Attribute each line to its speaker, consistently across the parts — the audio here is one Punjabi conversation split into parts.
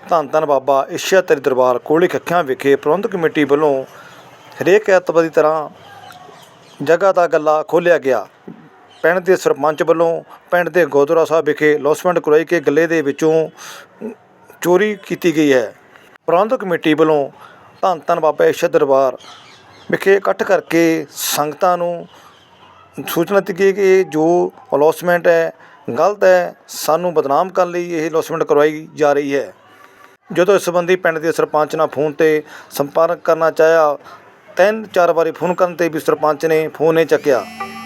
Speaker 1: ਧੰਨ ਧੰਨ ਬਾਬਾ ਇਸ਼ਿਆਤਰੀ ਦਰਬਾਰ ਕੋਹਲੀ ਕੱਖਿਆਂ ਵਿਖੇ ਪ੍ਰਬੰਧਕ ਕਮੇਟੀ ਵੱਲੋਂ ਹਰੇਕ ਐਤਵਾਰ ਦੀ ਤਰ੍ਹਾਂ ਜਗ੍ਹਾ ਦਾ ਗੱਲਾ ਖੋਲ੍ਹਿਆ ਗਿਆ। ਪਿੰਡ ਦੇ ਸਰਪੰਚ ਵੱਲੋਂ ਪਿੰਡ ਦੇ ਗੁਰਦੁਆਰਾ ਸਾਹਿਬ ਵਿਖੇ ਲੌਸਮੈਂਟ ਕਰਵਾਈ ਕਿ ਗੱਲੇ ਦੇ ਵਿੱਚੋਂ ਚੋਰੀ ਕੀਤੀ ਗਈ ਹੈ। ਪ੍ਰਬੰਧਕ ਕਮੇਟੀ ਵੱਲੋਂ ਧੰਨ ਧੰਨ ਬਾਬਾ ਇਸ਼ਿਆ ਦਰਬਾਰ ਵਿਖੇ ਇਕੱਠ ਕਰਕੇ ਸੰਗਤਾਂ ਨੂੰ ਸੂਚਨਾ ਦਿੱਤੀ ਗਈ ਕਿ ਜੋ ਅਲੌਸਮੈਂਟ ਹੈ ਗਲਤ ਹੈ, ਸਾਨੂੰ ਬਦਨਾਮ ਕਰਨ ਲਈ ਇਹ ਅਲੌਸਮੈਂਟ ਕਰਵਾਈ ਜਾ ਰਹੀ ਹੈ। ਜਦੋਂ ਇਸ ਸੰਬੰਧੀ ਪਿੰਡ ਦੇ ਸਰਪੰਚ ਨਾਲ ਫੋਨ 'ਤੇ ਸੰਪਰਕ ਕਰਨਾ ਚਾਹਿਆ, 3-4 ਵਾਰੀ ਫੋਨ ਕਰਨ 'ਤੇ ਵੀ ਸਰਪੰਚ ਨੇ ਫੋਨ ਨਹੀਂ ਚੱਕਿਆ।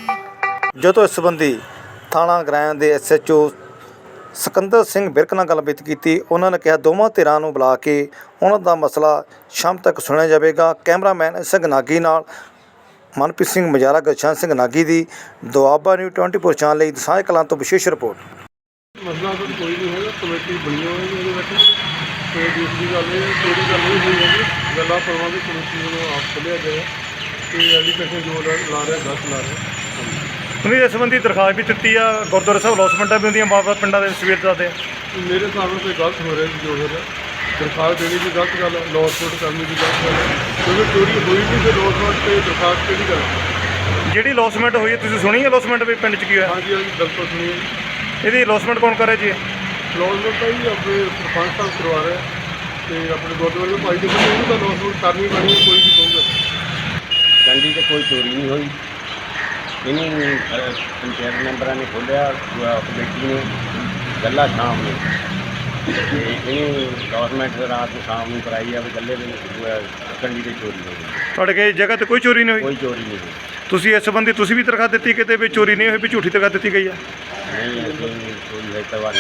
Speaker 1: ਜਦੋਂ ਇਸ ਸੰਬੰਧੀ ਥਾਣਾ ਗਰਾਇਆਂ ਦੇ SHO ਸਿਕੰਦਰ ਸਿੰਘ ਵਿਰਕ ਨਾਲ ਗੱਲਬਾਤ ਕੀਤੀ, ਉਹਨਾਂ ਨੇ ਕਿਹਾ ਦੋਵਾਂ ਧਿਰਾਂ ਨੂੰ ਬੁਲਾ ਕੇ ਉਹਨਾਂ ਦਾ ਮਸਲਾ ਸ਼ਾਮ ਤੱਕ ਸੁਣਿਆ ਜਾਵੇਗਾ। ਕੈਮਰਾਮੈਨ ਸਿੰਘ ਨਾਗੀ ਨਾਲ ਮਨਪ੍ਰੀਤ ਸਿੰਘ ਮਜਾਰਾ, ਗੁਰਸ਼ਰਨ ਸਿੰਘ ਨਾਗੀ ਦੀ ਦੁਆਬਾ ਨਿਊਜ਼ 24 ਚੈਨਲ ਲਈ ਦਸਾਂਝ ਕਲਾਂ ਤੋਂ ਵਿਸ਼ੇਸ਼ ਰਿਪੋਰਟ।
Speaker 2: ਮਸਲਾ ਤਾਂ ਕੋਈ ਨਹੀਂ ਹੈਗਾ, ਕਮੇਟੀ ਬਣੀ ਹੋਈ ਹੈ ਇਹਦੇ ਵਿੱਚ। ਅਤੇ ਦੂਸਰੀ ਗੱਲ ਇਹ ਚੋਰੀ ਗੱਲ ਨਹੀਂ ਹੋਈ ਹੈਗੀ, ਗੱਲਾਂ ਪ੍ਰਬੰਧਕ ਕਮੇਟੀ ਵੱਲੋਂ ਆਪ ਖੋਲ੍ਹਿਆ ਗਿਆ ਅਤੇ ਐਜੂਕੇਸ਼ਨ ਜੋ ਲਾ ਰਿਹਾ ਗਲਤ ਲਾ ਰਿਹਾ।
Speaker 1: ਤੁਸੀਂ ਇਸ ਸੰਬੰਧੀ ਦਰਖਾਸਤ ਵੀ ਦਿੱਤੀ ਆ, ਗੁਰਦੁਆਰਾ ਸਾਹਿਬ ਅਲੌਸਮੈਂਟਾਂ ਵੀ ਹੁੰਦੀਆਂ ਬਾਬਾ ਪਿੰਡਾਂ ਦੇ ਸਵੇਰ ਦੱਸਦੇ ਆ।
Speaker 2: ਮੇਰੇ ਹਿਸਾਬ ਨਾਲ ਕੋਈ ਗਲਤ ਹੋ ਰਿਹਾ ਜੀ, ਜੋ ਹੋ ਰਿਹਾ ਦਰਖਾਸਤ ਦੇਣੀ ਵੀ ਗਲਤ ਗੱਲ ਹੈ, ਲੌਸਮੈਂਟ ਕਰਨੀ ਵੀ ਗਲਤ ਗੱਲ ਹੈ, ਕਿਉਂਕਿ ਚੋਰੀ ਹੋਈ ਨਹੀਂ ਫਿਰ ਲੌਸਮੈਂਟ 'ਤੇ ਦਰਖਾਸਤ ਕਿਹੜੀ ਗੱਲ ਹੈ।
Speaker 1: ਜਿਹੜੀ ਅਲੌਸਮੈਂਟ ਹੋਈ ਹੈ ਤੁਸੀਂ ਸੁਣੀ ਅਲੌਸਮੈਂਟ ਵੀ ਪਿੰਡ 'ਚ ਕੀ ਹੋਇਆ?
Speaker 2: ਹਾਂਜੀ ਹਾਂਜੀ ਬਿਲਕੁਲ ਸੁਣੀ ਹੈ ਜੀ।
Speaker 1: ਇਹਦੀ ਅਲੌਸਮੈਂਟ ਕੌਣ ਕਰ ਰਿਹਾ ਜੀ?
Speaker 2: ਲੌਸਮੈਂਟ ਤਾਂ ਜੀ ਆਪਣੇ ਸਰਪੰਚ ਸਾਹਿਬ ਕਰਵਾ ਰਹੇ ਅਤੇ ਆਪਣੇ ਗੁਰਦੁਆਰੇ ਦੇ ਭਾਈ ਦੇ ਕੋਲ ਉਹਨੂੰ ਤਾਂ ਲੌਸਮੈਂਟ ਕਰਨੀ ਪੈਣੀ ਹੈ, ਕੋਈ ਵੀ ਕਹੂਗਾ।
Speaker 3: ਕੰਡੀ 'ਚ ਕੋਈ ਚੋਰੀ ਨਹੀਂ ਹੋਈ। ਇਹਨੂੰ ਪੰਚਾਇਤ ਮੈਂਬਰਾਂ ਨੇ ਖੋਲ੍ਹਿਆ, ਕਮੇਟੀ ਨੇ ਗੱਲਾ ਸ਼ਾਮ ਨੂੰ, ਅਤੇ ਇਹਨੂੰ ਗੌਰਮੈਂਟ ਰਾਤ ਨੂੰ ਸ਼ਾਮ ਨੂੰ ਕਰਾਈ ਆ ਵੀ ਗੱਲੇ ਦੇ ਕੰਡੀ 'ਤੇ ਚੋਰੀ ਹੋ ਗਈ।
Speaker 1: ਤੁਹਾਡੇ ਕੇ ਜਗ੍ਹਾ 'ਤੇ ਕੋਈ ਚੋਰੀ ਨਹੀਂ ਹੋਈ?
Speaker 3: ਕੋਈ ਚੋਰੀ ਨਹੀਂ ਹੋਈ।
Speaker 1: ਤੁਸੀਂ ਇਸ ਸੰਬੰਧੀ ਤੁਸੀਂ ਵੀ ਦਰਖਾਸਤ ਦਿੱਤੀ ਕਿਤੇ ਵੀ ਚੋਰੀ ਨਹੀਂ ਹੋਈ, ਵੀ ਝੂਠੀ ਦਰਖਾਸਤ ਦਿੱਤੀ ਗਈ ਆ?
Speaker 3: ਨਹੀਂ ਅਸੀਂ ਕੋਈ ਹੈਤਵਾਰ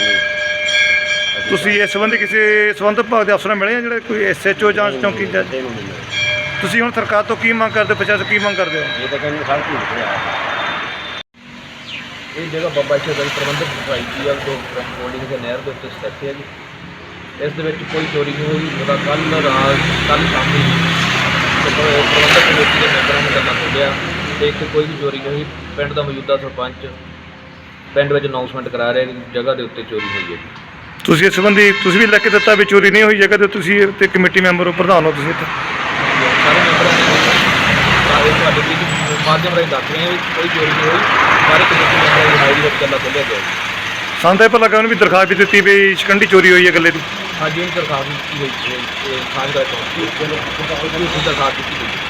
Speaker 3: ਨਹੀਂ।
Speaker 1: ਤੁਸੀਂ ਇਸ ਸੰਬੰਧੀ ਕਿਸੇ ਸੰਬੰਧਿਤ ਵਿਭਾਗ ਦੇ ਅਫਸਰ ਨਾਲ ਮਿਲੇ ਆ, ਜਿਹੜੇ ਕੋਈ SHO ਜਾਂ ਚੌਂਕੀ ਜੱਜ?
Speaker 3: ਕਿਸੇ ਨੂੰ ਨਹੀਂ ਮਿਲਿਆ।
Speaker 1: ਤੁਸੀਂ ਹੁਣ ਸਰਕਾਰ ਤੋਂ ਕੀ ਮੰਗ ਕਰਦੇ ਹੋ, ਪ੍ਰਸ਼ਾਸਨ ਕੀ ਮੰਗ ਕਰਦੇ ਹੋ?
Speaker 3: ਇਹ ਤਾਂ ਕਹਿੰਦੇ ਸਭ ਝੂਠ ਰਿਹਾ।
Speaker 4: ਇਹ ਜਗ੍ਹਾ ਬਾਬਾ ਇਸ਼ਿਆ ਦਾ ਪ੍ਰਬੰਧਕ ਸੁਸਾਇਟੀ ਆ, ਜੋ ਹੋਲਡਿੰਗ ਦੇ ਨਹਿਰ ਦੇ ਉੱਤੇ ਸਥਿਤ ਹੈ ਜੀ। ਇਸ ਦੇ ਵਿੱਚ ਕੋਈ ਚੋਰੀ ਨਹੀਂ ਹੋਈ। ਉਹਦਾ ਕੱਲ੍ਹ ਸ਼ਾਮੀ ਪ੍ਰਬੰਧਕ ਕਮੇਟੀ ਦੇ ਮੈਂਬਰਾਂ ਨੇ ਗੱਲਾਂ ਖੋਲ੍ਹਿਆ ਅਤੇ ਇੱਥੇ ਕੋਈ ਵੀ ਚੋਰੀ ਨਹੀਂ ਹੋਈ। ਪਿੰਡ ਦਾ ਮੌਜੂਦਾ ਸਰਪੰਚ ਪਿੰਡ ਵਿੱਚ ਅਨਾਊਂਸਮੈਂਟ ਕਰਾ ਰਿਹਾ ਕਿ ਜਗ੍ਹਾ ਦੇ ਉੱਤੇ ਚੋਰੀ ਹੋਈ ਹੈ ਜੀ।
Speaker 1: ਤੁਸੀਂ ਇਸ ਸੰਬੰਧੀ ਤੁਸੀਂ ਵੀ ਲਿਖ ਕੇ ਦਿੱਤਾ ਵੀ ਚੋਰੀ ਨਹੀਂ ਹੋਈ ਜਗ੍ਹਾ 'ਤੇ? ਤੁਸੀਂ ਤੇ ਕਮੇਟੀ ਮੈਂਬਰ ਹੋ, ਪ੍ਰਧਾਨ ਹੋ ਤੁਸੀਂ ਇੱਥੇ?
Speaker 4: ਸਾਰੇ ਮੈਂਬਰਾਂ ਨੇ ਤੁਹਾਡੇ ਵੀ ਮਾਧਿਅਮ ਰਾਹੀਂ ਦੱਸ ਰਹੇ ਹਾਂ ਵੀ ਕੋਈ ਚੋਰੀ ਨਹੀਂ ਹੋਈ। ਸਾਰੇ ਕਮੇਟੀ ਮੈਂਬਰਾਂ ਦੀ ਹਾਜ਼ਰੀ ਵਿੱਚ ਗੱਲਾਂ ਖੋਲ੍ਹਿਆ ਗਿਆ ਜੀ।
Speaker 1: ਸਾਨੂੰ ਤਾਂ ਇਹ ਪਤਾ ਲੱਗਾ ਉਹਨੇ ਵੀ ਦਰਖਾਸਤ ਵੀ ਦਿੱਤੀ ਵੀ ਸ਼ਿਕੰਡੀ ਚੋਰੀ ਹੋਈ ਹੈ ਗੱਲੇ ਦੀ।
Speaker 4: ਹਾਂਜੀ, ਇਹ ਦਰਖਾਸਤ ਦਿੱਤੀ ਹੋਈ ਸਾਂਝ ਦਾ ਚੌਂਕੀ ਦਰਖਾਸਤ ਦਿੱਤੀ ਹੋਈ।